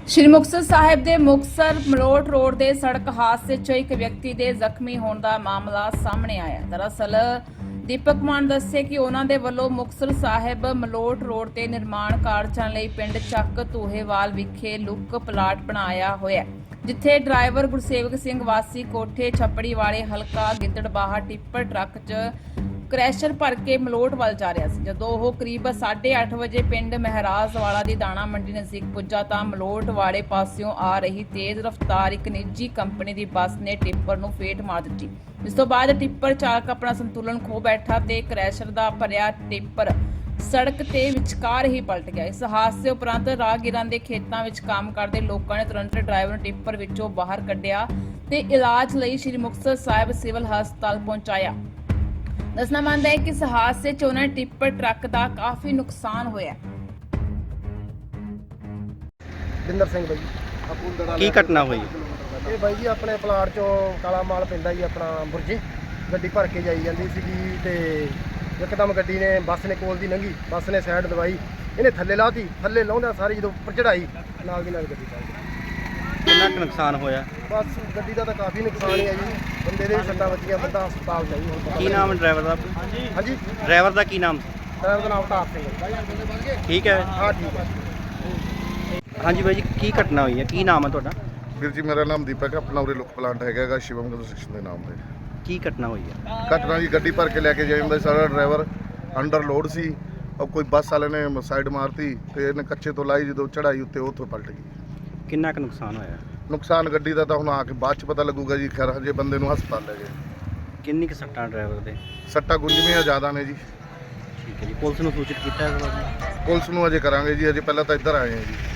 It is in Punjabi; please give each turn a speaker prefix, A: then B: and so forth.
A: ਸ਼੍ਰੀ ਮੁਕਤਸਰ ਸਾਹਿਬ ਦੇ ਮੁਕਤਸਰ ਮਲੋਟ ਰੋਡ ਦੇ ਸੜਕ ਹਾਦਸੇ 'ਚ ਇੱਕ ਵਿਅਕਤੀ ਦੇ ਜ਼ਖਮੀ ਹੋਣ ਦਾ ਮਾਮਲਾ ਸਾਹਮਣੇ ਆਇਆ। ਦਰਅਸਲ ਦੀਪਕ ਮਾਨ ਦੱਸੇ ਕਿ ਉਹਨਾਂ ਦੇ ਵੱਲੋਂ ਮੁਕਤਸਰ ਸਾਹਿਬ ਮਲੋਟ ਰੋਡ ਤੇ ਨਿਰਮਾਣ ਕਾਰਜਾਂ ਲਈ ਪਿੰਡ ਚੱਕ ਧੂਹੇਵਾਲ ਵਿਖੇ ਲੁੱਕ ਪਲਾਟ ਬਣਾਇਆ ਹੋਇਆ ਹੈ, ਜਿੱਥੇ ਡਰਾਈਵਰ ਗੁਰਸੇਵਕ ਸਿੰਘ ਵਾਸੀ ਕੋਠੇ ਛੱਪੜੀ ਵਾਲੇ ਹਲਕਾ ਗਿੱਦੜਬਾਹਾ ਟਿੱਪਰ ਟਰੱਕ 'ਚ ਕ੍ਰੈਸ਼ਰ ਭਰ ਕੇ ਮਲੋਟ ਵੱਲ ਜਾ ਰਿਹਾ ਸੀ। ਜਦੋਂ ਉਹ ਕਰੀਬ 8:30 ਵਜੇ ਪਿੰਡ ਮਹਿਰਾਜ ਵਾਲਾ ਦੀ ਦਾਣਾ ਮੰਡੀ ਨਜ਼ਦੀਕ ਪੁੱਜਾ ਤਾਂ ਮਲੋਟ ਵਾਲੇ ਪਾਸਿਓਂ ਆ ਰਹੀ ਤੇਜ਼ ਰਫ਼ਤਾਰ ਇੱਕ ਨਿੱਜੀ ਕੰਪਨੀ ਦੀ ਬੱਸ ਨੇ ਟਿੱਪਰ ਨੂੰ ਫੇਟ ਮਾਰ ਦਿੱਤੀ, ਜਿਸ ਤੋਂ ਬਾਅਦ ਟਿੱਪਰ ਚਾਲਕ ਆਪਣਾ ਸੰਤੁਲਨ ਖੋ ਬੈਠਾ ਤੇ ਕ੍ਰੈਸ਼ਰ ਦਾ ਭਰਿਆ ਟਿੱਪਰ ਸੜਕ ਤੇ ਵਿਚਕਾਰ ਹੀ ਪਲਟ ਗਿਆ। ਇਸ ਹਾਦਸੇ ਉਪਰੰਤ ਰਾਹਗੀਰਾਂ ਦੇ ਖੇਤਾਂ ਵਿੱਚ ਕੰਮ ਕਰਦੇ ਲੋਕਾਂ ਨੇ ਤੁਰੰਤ ਡਰਾਈਵਰ ਨੂੰ ਟਿੱਪਰ ਵਿੱਚੋਂ ਬਾਹਰ ਕੱਢਿਆ ਤੇ ਇਲਾਜ ਲਈ ਸ਼੍ਰੀ ਮੁਕਤਸਰ ਸਾਹਿਬ ਸਿਵਲ ਹਸਪਤਾਲ ਪਹੁੰਚਾਇਆ। ਦੱਸਣਾ ਮੰਨਦਾ ਹੈ ਕਿ ਇਸ ਹਾਦਸੇ 'ਚ ਉਹਨਾਂ ਟਿੱਪਰ ਟਰੱਕ ਦਾ ਕਾਫੀ ਨੁਕਸਾਨ ਹੋਇਆ।
B: ਬਿੰਦਰ ਸਿੰਘ ਬਾਈ
C: ਕੀ ਘਟਨਾ ਹੋਈ?
B: ਇਹ ਬਾਈ ਜੀ ਆਪਣੇ ਪਲਾਟ ਚੋਂ ਕਾਲਾ ਮਾਲ ਪੈਂਦਾ ਜੀ ਆਪਣਾ ਬੁਰਜੇ ਗੱਡੀ ਭਰ ਕੇ ਜਾਈ ਜਾਂਦੀ ਸੀਗੀ ਤੇ ਇੱਕਦਮ ਗੱਡੀ ਨੇ ਬੱਸ ਨੇ ਕੋਲ ਦੀ ਲੰਘੀ, ਬੱਸ ਨੇ ਸਾਈਡ ਦਵਾਈ, ਇਹਨੇ ਥੱਲੇ ਲਾਤੀ, ਥੱਲੇ ਲਾਉਂਦਾ ਸਾਰੀ ਜਦੋਂ ਉੱਪਰ ਚੜਾਈ ਨਾਲ ਦੀ ਨਾਲ ਗੱਡੀ ਚੱਲ ਗਈ।
C: ਕਿੰਨਾ ਕੁ ਨੁਕਸਾਨ ਹੋਇਆ?
B: ਬਸ ਗੱਡੀ ਦਾ ਤਾਂ ਕਾਫੀ ਨੁਕਸਾਨ ਹੀ ਹੈ ਜੀ, ਬੰਦੇ ਦੇ ਵੀ ਸੱਟਾਂ ਵੱਜੀਆਂ, ਬੰਦਾ ਹਸਪਤਾਲ ਚਾਹੀਦਾ ਹੁਣ ਪਤਾ
C: ਕੀ ਨਾਮ ਹੈ ਡਰਾਈਵਰ ਦਾ?
B: ਹਾਂਜੀ
C: ਡਰਾਈਵਰ ਦਾ ਕੀ ਨਾਮ?
B: ਡਰਾਈਵਰ ਦਾ ਨਾਮ ਅਵਤਾਰ ਸਿੰਘ ਹੈ।
C: ਠੀਕ ਹੈ।
B: ਹਾਂ ਠੀਕ ਹੈ।
C: ਹਾਂਜੀ ਬਾਈ ਜੀ, ਕੀ ਘਟਨਾ ਹੋਈ ਹੈ? ਕੀ ਨਾਮ ਹੈ ਤੁਹਾਡਾ?
D: ਵੀਰ ਜੀ ਮੇਰਾ ਨਾਮ ਦੀਪਕ ਹੈ, ਆਪਣਾ ਉਰੇ ਲੁੱਕ ਪਲਾਂਟ ਹੈਗਾ ਸ਼ਿਵਮ ਕੰਸਟਰਕਸ਼ਨ ਦੇ ਨਾਮ ਤੇ।
C: ਕੀ ਘਟਨਾ ਹੋਈ ਹੈ?
D: ਘਟਨਾ ਜੀ ਗੱਡੀ ਭਰ ਕੇ ਲੈ ਕੇ ਜਾਂਦਾ ਸਾਰਾ ਡਰਾਈਵਰ ਅੰਡਰ ਲੋਡ ਸੀ, ਔਰ ਕੋਈ ਬੱਸ ਵਾਲੇ ਨੇ ਸਾਈਡ ਮਾਰਤੀ ਤੇ ਇਹਨੇ ਕੱਚੇ ਤੋਂ ਲਾਈ, ਜਦੋਂ ਚੜਾਈ ਉੱਤੇ ਉੱਥੋਂ ਪਲਟ ਗਈ।
C: ਕਿੰਨਾ ਕੁ ਨੁਕਸਾਨ ਹੋਇਆ?
D: ਨੁਕਸਾਨ ਗੱਡੀ ਦਾ ਤਾਂ ਹੁਣ ਆ ਕੇ ਬਾਅਦ ਚ ਪਤਾ ਲੱਗੂਗਾ ਜੀ, ਖੈਰ ਹਜੇ ਬੰਦੇ ਨੂੰ ਹਸਪਤਾਲ ਲੈ ਗਏ।
C: ਕਿੰਨੀ ਕੁ ਸੱਟਾਂ ਡਰਾਈਵਰ ਦੇ?
D: ਸੱਟਾਂ ਗੁੰਝਵੀਆਂ ਜ਼ਿਆਦਾ ਨੇ ਜੀ।
C: ਠੀਕ ਹੈ ਜੀ। ਪੁਲਿਸ ਨੂੰ ਸੂਚਿਤ ਕੀਤਾ ਹੈ?
D: ਪੁਲਿਸ ਨੂੰ ਅਜੇ ਕਰਾਂਗੇ ਜੀ, ਅਜੇ ਪਹਿਲਾਂ ਤਾਂ ਇੱਧਰ ਆਏ ਹਾਂ ਜੀ।